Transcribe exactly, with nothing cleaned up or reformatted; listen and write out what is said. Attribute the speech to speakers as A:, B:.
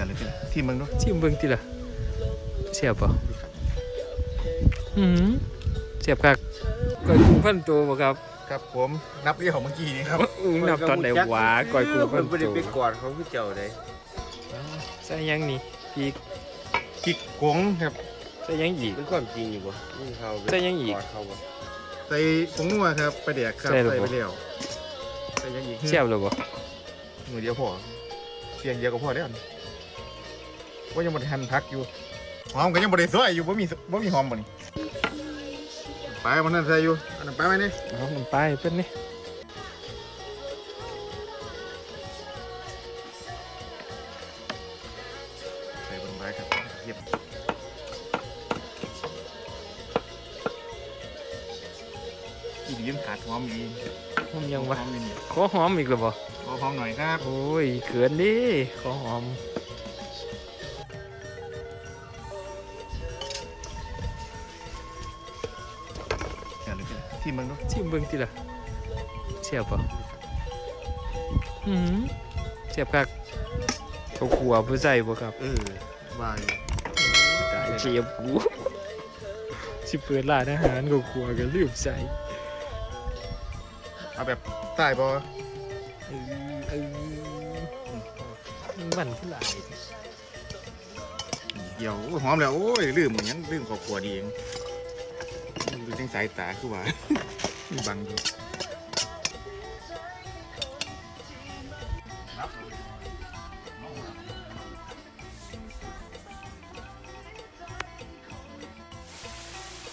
A: เลยพี่ที่มึงด้วย
B: ชิมเบิ่งติล่ะเสียบป่ะอืมเสียบคักก้อยกุ้งพันตัวบ่ครับ
A: ครับผมนับเรียกของเมื่อกี้นี้ครับ
B: อุ้งนับตอนไหนหวาก้อยกุ้งพัน
C: ไม่ได้
B: ตัว
C: ไปกอดเขาคือเจ้าเลย
B: ใส่หยังนี่พริก
A: กิกกงครับ
B: ใส่หยังอีก
C: เป็นความจริงอยู่บ่นี่เขา
B: ใส่ยังอีก
C: กอดเขาบ่
A: ใส่ผงนัวครับไปเดียกครับ
B: ใส่หรือ
A: ใส่
B: เป
A: ไป
B: ล่า
A: เดียวใส่ยังอีก
B: เสียบเลยบ่
A: มือเดียวพอเสียงเดียวก็พอแล้วว่ายังบริหันพักอยู่หอมก็ยังบริสวยอยู่บ่มีบ่มีหอมบ่นี่ไปมันนั่นใส่อยู่อันนั้นไปไหมนี่
B: เอามันไปเป็นนี่
A: ใส่บนไปครับเยียบอีกยืมขาดหอมอีก
B: มันยังวะ
A: หอมนี่
B: ขอหอมอีกหรือบ่
A: ขอหอมหน่อยครับ
B: โอ้ยเขินดิขอหอม
A: เดี๋ยวเลยพี่ที่มึงด้วย
B: ชิมเบิ่งติล่ะเสียบป่ะอืมเสียบคักเขาขัวผู้ใส่บ่ครับ
A: เออวาย
B: ตายเชียบกูสิเปิดร้านอาหารเขาขัวกันลืมใส่
A: เอาแบบใต้ปะ
B: เออเออมันผู้หลาย
A: เดี๋ยวโอ้ยหอมแล้วโอ้ยลืมยังลืมขอบครัวดีเองดูจังสายตาคือว่า บังอยู่